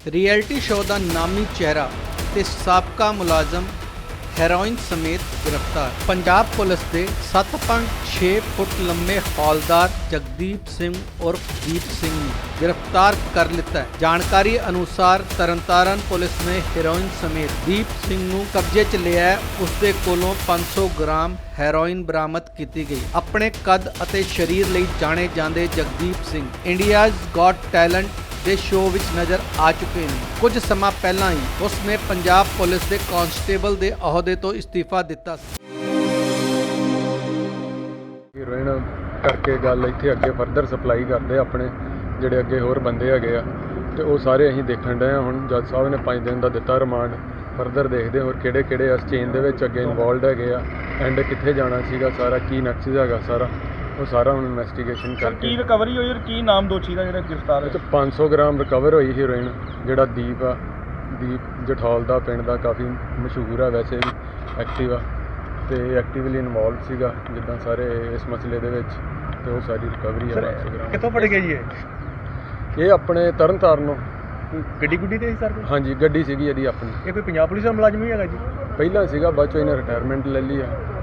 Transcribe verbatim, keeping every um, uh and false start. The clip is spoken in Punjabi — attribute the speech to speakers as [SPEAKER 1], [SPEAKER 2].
[SPEAKER 1] ਰਿਐਲਿਟੀ ਸ਼ੋਅ ਦਾ ਨਾਮੀ ਚਿਹਰਾ ਤੇ ਸਾਬਕਾ ਮੁਲਾਜ਼ਮ ਹੈਰੋਇਨ ਸਮੇਤ ਗ੍ਰਿਫਤਾਰ। ਪੰਜਾਬ ਪੁਲਿਸ ਦੇ ਸੱਤ ਪੁਆਇੰਟ ਛੇ ਫੁੱਟ ਲੰਮੇ ਹੌਲਦਾਰ ਜਗਦੀਪ ਸਿੰਘ ਉਰਫ ਦੀਪ ਸਿੰਘ ਨੂੰ ਗ੍ਰਿਫਤਾਰ ਕਰ ਲਿੱਤਾ ਹੈ। ਜਾਣਕਾਰੀ ਅਨੁਸਾਰ ਤਰਨਤਾਰਨ ਪੁਲਿਸ ਨੇ ਹੈਰੋਇਨ ਸਮੇਤ ਦੀਪ ਸਿੰਘ ਨੂੰ ਕਬਜ਼ੇ 'ਚ ਲਿਆ ਹੈ। ਉਸ ਦੇ ਕੋਲੋਂ ਪੰਜ ਸੌ ਗ੍ਰਾਮ ਹੈਰੋਇਨ ਬਰਾਮਦ ਕੀਤੀ ਗਈ। ਆਪਣੇ ਕੱਦ ਅਤੇ ਸਰੀਰ ਲਈ ਜਾਣੇ ਜਾਂਦੇ Jagdeep Singh India's got talent ਦੇ ਸ਼ੋਅ ਵਿੱਚ ਨਜ਼ਰ ਆ ਚੁੱਕੇ ਨੇ। ਕੁਝ ਸਮਾਂ ਪਹਿਲਾਂ ਹੀ ਉਸ ਨੇ ਪੰਜਾਬ ਪੁਲਿਸ ਦੇ ਕਾਂਸਟੇਬਲ ਦੇ ਅਹੁਦੇ ਤੋਂ ਇਸਤੀਫਾ ਦਿੱਤਾ ਸੀ।
[SPEAKER 2] ਹੀਰੋਇਨ ਕਰਕੇ ਗੱਲ ਇੱਥੇ ਅੱਗੇ ਫਰਦਰ ਸਪਲਾਈ ਕਰਦੇ ਆਪਣੇ ਜਿਹੜੇ ਅੱਗੇ ਹੋਰ ਬੰਦੇ ਹੈਗੇ ਆ ਤੇ ਉਹ ਸਾਰੇ ਅਸੀਂ ਦੇਖਣ ਡਏ ਆ। ਹੁਣ ਜੱਜ ਸਾਹਿਬ ਨੇ ਪੰਜ ਦਿਨ ਦਾ ਦਿੱਤਾ ਰਿਮਾਂਡ। ਫਰਦਰ ਦੇਖਦੇ ਹੋਰ ਕਿਹੜੇ ਕਿਹੜੇ ਇਸ ਚੇਨ ਦੇ ਵਿੱਚ ਅੱਗੇ ਇਨਵੋਲਡ ਹੈਗੇ ਆ, ਐਂਡ ਕਿੱਥੇ ਜਾਣਾ ਸੀਗਾ, ਸਾਰਾ ਕੀ ਨਕਸ਼ਾ ਹੈਗਾ, ਸਾਰਾ ਉਹ ਸਾਰਾ ਹੁਣ ਇਨਵੈਸਟੀਗੇਸ਼ਨ ਕਰਕੇ।
[SPEAKER 3] ਕੀ ਰਿਕਵਰੀ ਹੋਈ ਔਰ ਕੀ ਨਾਮ ਦੋਸ਼ੀ ਦਾ ਜਿਹੜਾ ਗ੍ਰਿਫਤਾਰ
[SPEAKER 2] ਇਹ 'ਚ ਪੰਜ ਸੌ ਗ੍ਰਾਮ ਰਿਕਵਰ ਹੋਈ ਹੀਰੋਇਨ। ਜਿਹੜਾ ਦੀਪ ਆ, ਦੀਪ ਜਠੌਲ ਦਾ ਪਿੰਡ ਦਾ, ਕਾਫੀ ਮਸ਼ਹੂਰ ਆ ਵੈਸੇ ਵੀ, ਐਕਟਿਵ ਆ ਤੇ ਐਕਟਿਵਲੀ ਇਨਵੋਲਵ ਸੀਗਾ ਜਿੱਦਾਂ ਸਾਰੇ ਇਸ ਮਸਲੇ ਦੇ ਵਿੱਚ, ਤੇ ਉਹ ਸਾਰੀ ਰਿਕਵਰੀ ਆ ਪੰਜ ਸੌ ਗ੍ਰਾਮ।
[SPEAKER 3] ਕਿੱਥੋਂ ਫੜ ਗਏ ਜੀ ਇਹ?
[SPEAKER 2] ਇਹ ਆਪਣੇ ਤਰਨ ਤਾਰਨੋਂ
[SPEAKER 3] ਗੱਡੀ ਗੁੱਡੀ ਤੇ ਸੀ ਸਰ?
[SPEAKER 2] ਹਾਂਜੀ, ਗੱਡੀ ਸੀਗੀ ਇਹਦੀ ਆਪਣੀ।
[SPEAKER 3] ਇਹ ਕੋਈ ਪੰਜਾਬ ਪੁਲਿਸ ਦਾ ਮੁਲਾਜ਼ਮ ਹੀ ਹੈਗਾ ਜੀ?
[SPEAKER 2] ਪਹਿਲਾਂ ਸੀਗਾ, ਬਾਅਦ ਚੋਂ ਇਹਨੇ ਰਿਟਾਇਰਮੈਂਟ ਲੈ ਲਈ ਆ।